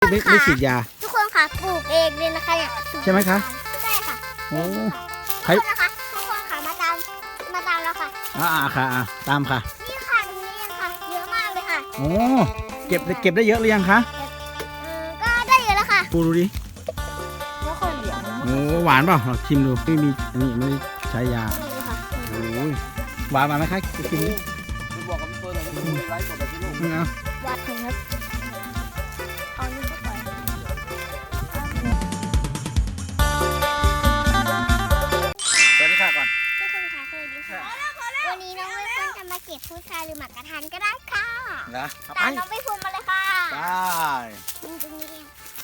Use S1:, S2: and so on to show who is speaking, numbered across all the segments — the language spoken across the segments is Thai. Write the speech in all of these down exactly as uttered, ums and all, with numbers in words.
S1: ไม่ไม่ฉีดยา
S2: ทุกคนค่ะปลูกเองเลยนะคะเนี่ย
S1: ใช่ไหมคะ
S2: ใช่ค่ะ
S1: โอ้ใคร
S2: นะคะทุกคนค่ะมาตามมาตามแล้วค่ะ
S1: อ่าค่ะตามค่ะ
S2: นี่ค่ะตรงนี้ยังค่ะเยอะมากเลยค่ะ
S1: โอ้เก็บเก็บได้เยอะหรือยังคะ
S2: ก็ได้เยอะแล้วค่ะ
S1: ปูดูดิ
S2: ไม่ค่อยเหลือง
S1: โอ้หวานเปล่าลองชิมดูไม่มีอันนี้ไม่ใช้ยาโอ้ยหวานมาไหมคะชิมดิ
S3: บอกกับพี่เฟิร์นเลยจะไปไลฟ์สดแบบที่ลูก
S1: นี่เอา
S2: หวานครับเอานี่ก็ไป
S1: สวัสดีค่ะก่อน
S2: ทุกคนค่ะสวัสดีค่ะวันนี้น้องใบเฟิร์นจะมาเก็บพุทราหรือหมากกระทันก็ได้ค่ะ
S1: นะ
S2: ตามน้องใบเฟิร์นมาเลยค่ะ
S1: ได้
S2: ตรงนี้เอง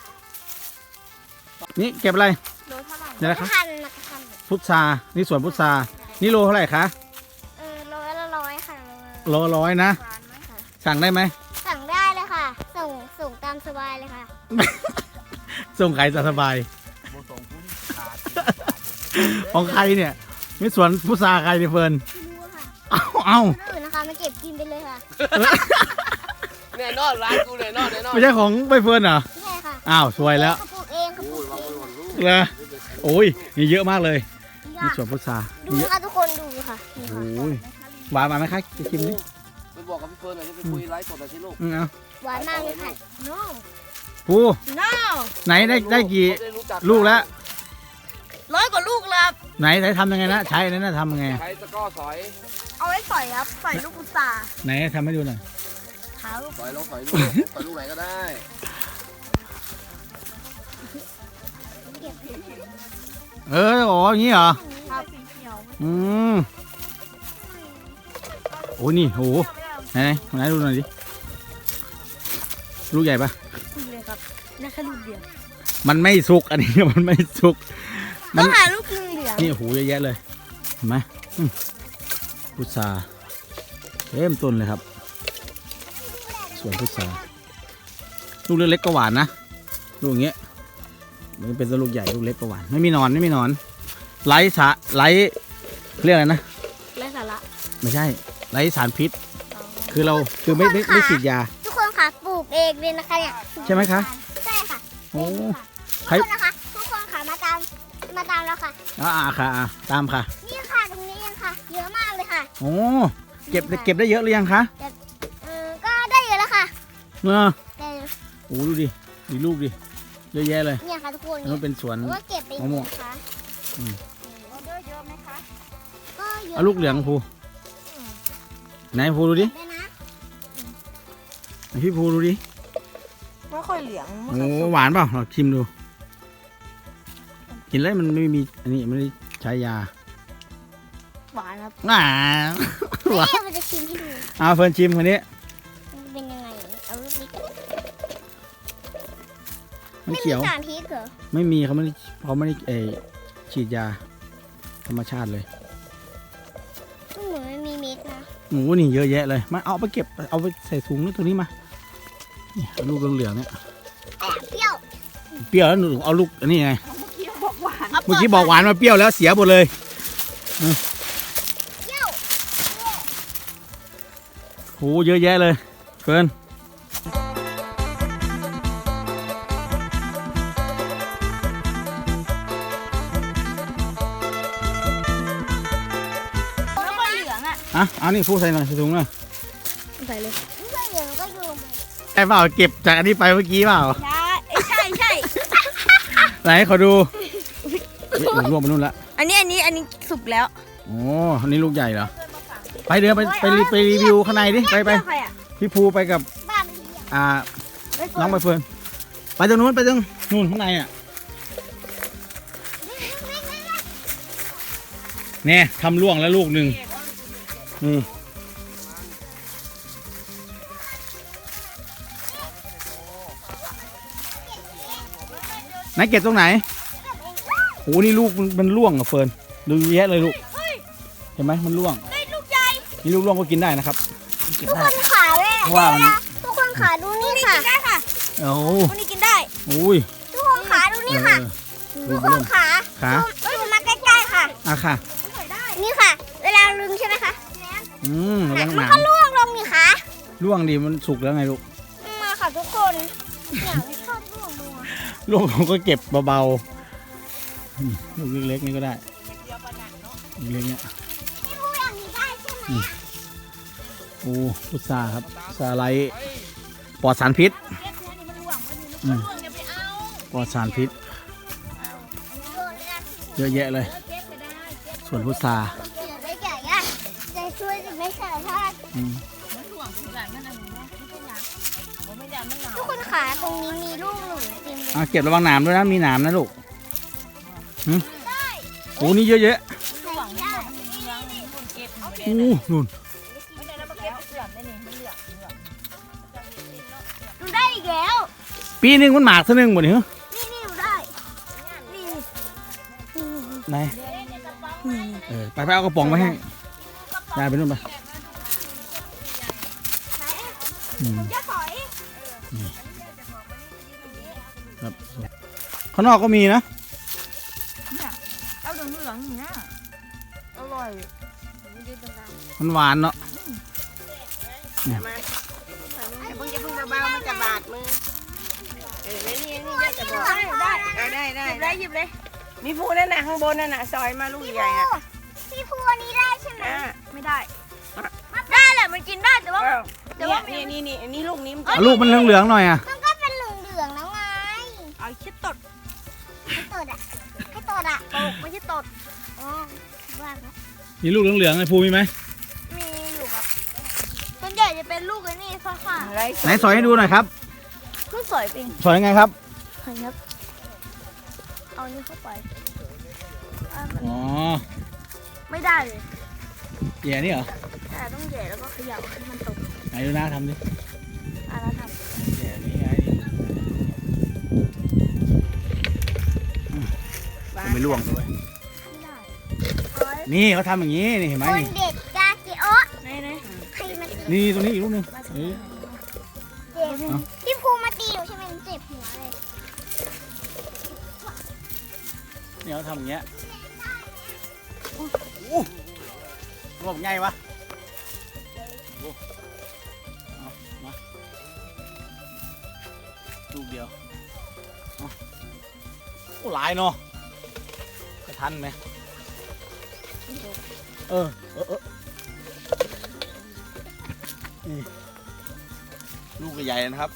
S1: นี่เก็บอะไร
S2: โลเท่าไหร่
S1: นี่อะไรคะพุทรานี่สวนพุทรานี่โลเท่าไหร่คะ
S2: เออโลละร้อยค่ะ
S1: โลร้อยนะสั่งได้ไหม
S2: สั่งได้เลยค่ะส่งส่งตามสบายเลยค่ะ
S1: ส่งใครสบายของใครเนี่ยมีสวนพุทราใครเนี่ยเฟิร์นเอาเอา
S2: อื่นนะคะมาเก็บกินไปเลยค่ะ
S3: แน่นอนร้านกูแน่นอนแน่นอน
S1: ไม่ใช่ของใบเฟิร์นเหรอ
S2: ใช่ค่ะ
S1: อ้าวสวยแล้ว
S2: ปลูกเองปลูกเอง
S1: เลยโอ้ยนี่เยอะมากเลยมีสวนพุทรา
S2: ดูค่ะทุกคนดูค่ะ
S1: โอ้ยหวานมาไหมคะจะชิมดิ
S3: ไปบอกกับพี่เฟิร์นเลยจะไปคุยไลฟ์สดแบบที่ลูก
S1: เอา
S2: หวานมากเลยค่ะ no
S1: ปูไหนได้ได้กี่ลูกแล้ว
S2: ร้อยกว่าลูกแล้ว
S1: ไหนไหนทำยังไงนะใช้นั่นนะทำยังไง
S3: ใช้ตะก้อสอย
S2: เอาไว้สอยครับสอยลูกพุทรา
S1: ไหนทำให้ดูหน่อย
S3: สอยลงสอยลูกสอยลูกไหนก็ได้
S1: เออโอ้ยงี้เหรออืมโอ้นี่โหไหนไหนดูหน่อยดิลูกใหญ่ปะ
S2: ลูกเลยครับนั่นแค่ลูกเดียว
S1: มันไม่สุกอันนี้มันไม่สุก
S2: มันหาลูกเหลือง
S1: นี่โหเยอะแยะเลยเห็นไหมพุทราเต็มต้นเลยครับสวนพุทราลูกเล็กๆก็หวานนะลูกอย่างเงี้ยมันเป็นลูกใหญ่ลูกเล็กก็หวานไม่มีนอนไม่มีนอนไร้สาไร้เรียกอะไรนะ
S2: ไร้สาระ
S1: ไม่ใช่ไร้สารพิษคือเราคือไม่ไม่ไม่ฉีดยา
S2: ทุกคนค่ะปลูกเองเลยนะคะเนี่ย
S1: ใช่ไหมคะ
S2: ใช่ค่ะ
S1: โอ้
S2: ใครนะคะทุกคนค่ะมาตามมาตามแล้วค่ะ
S1: อ่าค่ะตามค่ะ
S2: นี่ค่ะตรงนี้ยังค่ะเยอะมากเลยค่ะ
S1: โอ้เก็บเก็บได้เยอะหรือยังคะ
S2: เออก็ได้เยอะแล้วค่ะ
S1: เออโอ้ดูดิมีลูกดิเยอะแยะเลย
S2: เนี่ยค่ะทุกคน
S1: มันเป็นสวน
S2: ว่าเก็บไปมะม่วงค่ะ
S1: อืม
S2: เยอะไหมคะก็เยอะ
S1: เอาลูกเหลืองภูไหนภูดูดิพี่ภูดูดิ
S2: ไม่ค่อยเหลือง
S1: โอ้หวานเปล่าลองชิมดูกินแล้วมันไม่มีอันนี้ไม่ได้ใช้ยา
S2: หวานครับ
S1: อ่า
S2: หวานมันจะชิมให้ดู
S1: เอาเฟิร์นชิมคนนี้
S2: เป็นยังไงเอาลูกนี้กัน
S1: ไม่เขียว
S2: ไม่มีสารพิษเหรอ
S1: ไม่มีเขาไม่ได้เขาไม่ได้เอฉีดยาธรรมชาติเลย
S2: เหมือนไม่มีเม็ดนะ
S1: หมูนี่เยอะแยะเลยมาเอาไปเก็บเอาไปใส่ถุงนี่ตัวนี้มาเนี่ยลูกเหลืองๆเนี่ย
S2: เปรี้ยว
S1: เปรี้ยวแล้วหนูเอาลูกอันนี้ไงเมื่อกี้บอกหวานมาเปรี้ยวแล้วเสียหมดเลย
S2: เปรี้ยว
S1: โหเยอะแยะเลยเฟิร์นอ่ะเอานี่พูใส่หน่อยใส่ถุงหน่อย
S2: ใส่เลยใส่เหลืองก็ดู
S1: ไอ้เปล่าเก็บจากอันนี้ไปเมื่อกี้เปล่า
S2: ใช่ใช่
S1: ไหนขอดูรวมไปนู่นละ
S2: อันนี้อันนี้อันนี้สุกแล้ว
S1: โอ้อันนี้ลูกใหญ่เหรอไปเดี๋ยวไปไปไปรีวิวข้างในดิไปไปพี่ภูไปกับอ่าน้องใบเฟิร์นไปตรงนู้นไปตรงนู่นข้างในอ่ะเนี่ยทำล่วงแล้วลูกหนึ่งนี่ไหนเก็บตรงไหนโอ้นี่ลูกมันล่วงอ่ะเฟิร์นดูแยะเลยลูกเห็นไหมมันล่วง
S2: ลูกใหญ่
S1: นี่ลูกล่วงก็กินได้นะครับ
S2: ทุกคนขาเลย
S1: ว่ามัน
S2: ทุกคนขาดูนี่ค่ะกินได้ค่ะ
S1: โอ้
S2: ลูกนี้กินได้
S1: อุ้ย
S2: ทุกคนขาดูนี่ค่ะทุกคนขา
S1: ขา
S2: ดูมาใกล้ๆค่ะ
S1: อ่ะค่ะ
S2: นี่ค่ะเวลาลึงใช่ไหมคะ
S1: อืม
S2: มันก็ล่วงลงนี่ค่ะ
S1: ล่วงดีมันสุกแล้วไงลูก
S2: มาค่ะทุกคนชอบร่วงลงอ่ะ
S1: ลูกผมก็เก็บเบาๆอืมลูกเล็กๆนี่ก็ได้ลูกเล็กเนี่ย
S2: พี่พูดอย่างนี้ได้ใช่ไหม
S1: โอ้พุทราครับพุทราไร้ปลอดสารพิษอืมปลอดสารพิษ เยอะแยะเลย ส่วนพุทรา
S2: เดี๋ยวได้ใหญ่อะจะช่วยจะไม่ใส่ถ้า
S1: อืม
S2: ทุกคนขาตรงนี้มีลูกหนูเต็มเลย
S1: อ่ะเก็บระวังหนามด้วยนะมีหนามนะลูกหืม
S2: ได้
S1: โอ้นี่เยอะแยะ
S2: ใส่ได้
S1: โอ้นู่น
S2: หนูได้อีกแล้ว
S1: ปีหนึ่งมันหมากเท่านึงหมดเหรอ
S2: นี่นี่หนูได้นี่นี่
S1: ไหนเออไปไปเอากระป๋องมาให้ยายไปนู่นไป
S2: ไหน
S1: อืม
S2: จะถอย
S1: ครับข้างนอกก็มีนะ
S4: เอาเหลืองเหลืองอย่างเงี้ยอร่อย
S1: มันหวานเนาะ
S3: อย่าเพิ่งอย่าเพิ่งเบาๆมันจะบาดมือเออนี่นี่นี่จะบอกได้ได้ได้
S4: หยิบเลยหยิบเลย
S3: มีผู้นั่นน่ะข้างบนนั่นน่ะซอยมาลูก
S2: พี่
S3: ใหญ่
S2: ภู
S3: อ่ะ
S2: พี่ภูอันนี้ได้ใช่ไหม
S3: อ่า
S4: ไม่ได้ ได้แหละมันกินได้แต่ว่า
S3: แต่ว่านี่นี่นี่นี่ลูกนี้มัน
S1: เอาลูกมันเหลืองๆหน่อยอ่ะ
S2: มันก็เป็นเหลืองๆแล้วไง
S4: เอาคิดตด
S2: ให้ตดอ่ะให้ตดอ่ะ
S4: ตกไม่ใช่ตด
S2: อ๋อว่าแล้ว
S1: มีลูกเหลืองๆไอ้ภูมีไหม
S4: มีอยู่ครับส่วนใหญ่จะเป็นลูกไอ้นี่ฟ้าค่ะ
S3: อะไร
S1: ไหนสอยให้ดูหน่อยครับ
S4: ลูกสวยปิง
S1: สอยยังไงครับ
S4: เห็นครับเอานี่เข้าไปอ่ะมัน
S1: อ๋อ
S4: ไม่ได้เลย
S1: แย่นี่เหรอ
S4: แต่ต้องแหย่แล้วก็เขย่าให้มันตก
S1: ไหนดูหน้าทำดิ
S4: อ่ะแล้วท
S1: แย่นี่ไงจะไม่ล่วงด้วย
S4: ำไม่ได้
S1: นี่เขาทำอย่างนี้นี่เห็นไหม
S2: คน
S1: นี่
S2: เด็ดกาจิโอะ
S4: ไหนไหน
S2: ใครมาตี
S1: นี่ตรงนี้อีกลูกหนึงเออ
S2: เจ็บพี่ภูมาตีหนูใช่ไหมหนูเจ็บหัวเลย
S1: นี่เขาทำอย่างเงี้ยอู้รวบง่ายวะโอ้เอามาลูกเดียวเอาโอ้หลายเนาะจะทันไหมเออเออเออนี่ลูกใหญ่ๆนะครับ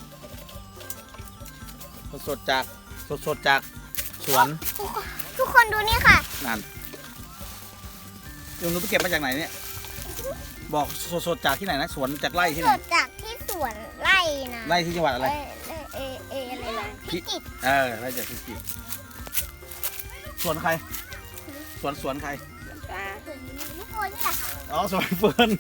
S1: สดๆจากสดๆจากสวน
S2: ทุกคนทุกคนดูนี่ค่ะ
S1: นั่นเดี๋ยวหนูไปเก็บมาจากไหนเนี่ย บอกสดๆจากที่ไหนนะสวนจากไร่ที่ไห
S2: ส
S1: น
S2: ดจากที่สวนไร่นะ
S1: ไร่ที่จังหวัดอะไร
S2: เออเออเอออะไรนะพิจิตร
S1: เออไร่จากพิจิตรสวนใคร สวนสวนใคร
S2: ทุกคนนี่แหละค่ะ
S1: อ๋อสวนเฟิร์น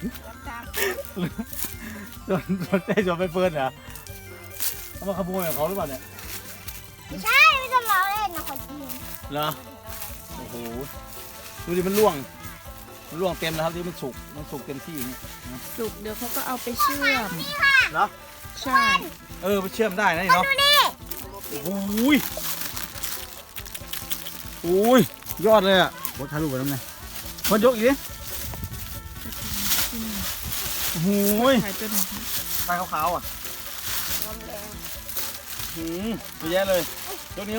S1: สวนสวนใจสวนไปเฟิร์นเหรอเขามาขโมยของเขาหรือเปล่าเนี่ย
S2: ไม่ใช่ไม่จะมาเล่นนะคนจีน
S1: เหรอโอ้โหดูดิมันร่วงมันร่วงเต็มแล้วครับที่มันสุกมันสุกเต็มที่อย่างนี้
S4: สุกเดี๋ยวเขาก็เอาไปเชื่อม
S1: เหรอ
S4: ใช่
S1: เออไปเชื่อมได้นะนี่เนาะ
S2: ดูนี่
S1: โอ้ยโอ้ยยอดเลยอ่ะโคตรถ่ายรูปไปน้ำไงคนยกอีกดิโอ้โหย
S4: ถ่ายตัวหนึ่ง
S1: ไฟขาวๆอ่ะหืมเยอะแยะเลยยกนิ้ว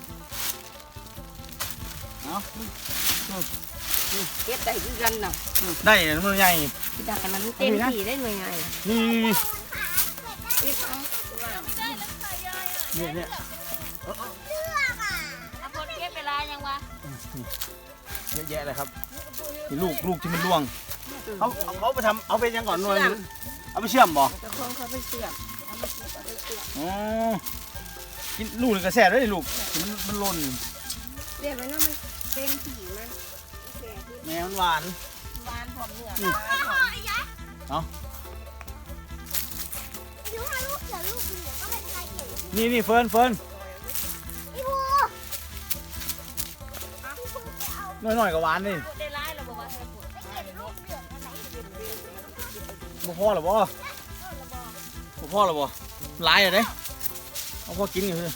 S1: เอา
S3: เก็บได้คือกันน่ะ
S1: ได้มันใหญ่
S3: ที่ดักกันนั้นเต็มที่ได้หน่วยไง
S1: นี่
S3: เก็บเอา
S1: เนี่ยเนี่ย
S2: เชือกอ่ะ
S4: เอาคนเก็บเวลายังวะ
S1: เยอะแยะเลยครับนี่ลูกลูกที่มันร่วงเขาเอาเขาไปทำเอาไปยังก่อนหน่อยนึงเอาไปเชื่อมบ่
S3: เจ้าของเขาไปเสียบ
S1: อ๋อกินลูกนี่กระแสด้วยลูกมันมันหล่น
S3: เรียกไว้นะมันเต็มที่มัน
S1: แม่มันหวาน
S3: หวานหอมเนื้อ
S1: เอา
S2: อายุห้าลูกเสือลูกเดียวก็เป็นชายเขียว
S1: นี่นี่เฟิร์นเฟิร์น
S2: พี่ภูพี่ภูไปเอา
S1: หน่อยหน่อยๆกับหวานนี่
S4: ได้ร้ายเราบอกว่าเธอปวด
S2: ไปเก็บลูกเหลืองอะไร
S1: บ่พ่อหรอบ่บ่พ่อหรอบ่หลายอะเด้เอาพ่อกินอยู่เลย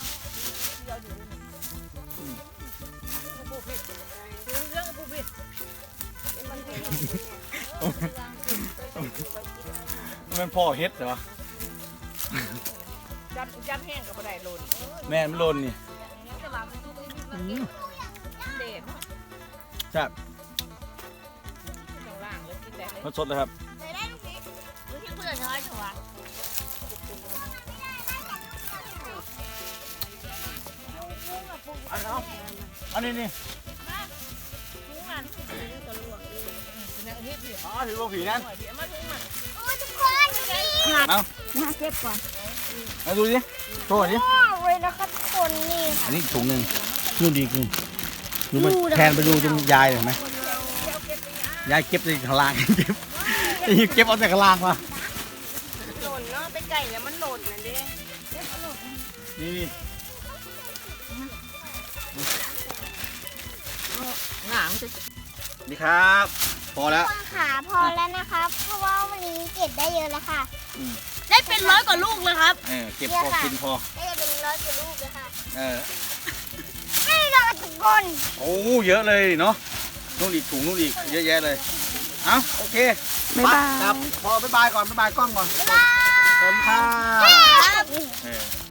S1: มันพ่อเฮ็ดเหรอวะ
S3: จับจับแห้งกับอะไรหล่น
S1: แม่มันหล่นนี่อืม
S3: เด็ด
S1: ใช่บ
S3: ข้างล่างแล้วกินได้เลย
S1: รสสดเลยครับ
S2: เลยได้ลูกนี้
S4: ดูที่เพื่อนน้อยเถอะวะ
S1: อันเอาอันนี้นี่
S4: ทุกงาน
S3: เนี่ยเฮ็ดดิ
S1: อ๋อถือว่าผีนั่น
S3: เดี๋ยวมาถึงมัน
S2: โอ้ยทุกคนดูดิ
S1: เอา
S4: มาเก็บก่อน
S1: มาดูดิโชว์หน่อยดิ
S2: ว้าวเลยนะคะทุกคนนี่
S1: อันนี้อีกถุงหนึ่งนู่นดีกนึงดูมันแทนไปดูตรงยายเห็นไหมยายเก็บในข้างล่าง เก็บเก็บเอาแต่ข้างล่างมา
S3: หล่นเนาะไปไก่เนี่ยมันหล่นน่ะเด้
S1: นี่นี่
S3: หงางจะ
S1: นี่ครับ พอแล้ว
S2: ทุกคนขาพอแล้วนะครับ เพราะว่าวันนี้เก็บได้เยอะแล้วค่ะ
S4: ได้เป็นร้อยกว่าลูกเลยครับ
S1: เออเก็บพอกินพอ
S2: ได้เป็นร้อยกว่าลูกเลยค่ะ
S1: เออ
S2: ไม่รอดทุกคน
S1: โอ้เยอะเลยเนาะนู่นอีกถุงนู่นอีกเยอะแยะเลยเอาโอเค
S4: บ๊ายบาย
S1: ครับพอบ๊ายบายก่อนบ๊ายบายกล้องก่อน
S2: บ๊ายบาย
S1: สวัสดีค่ะ
S2: ครับ
S1: เออ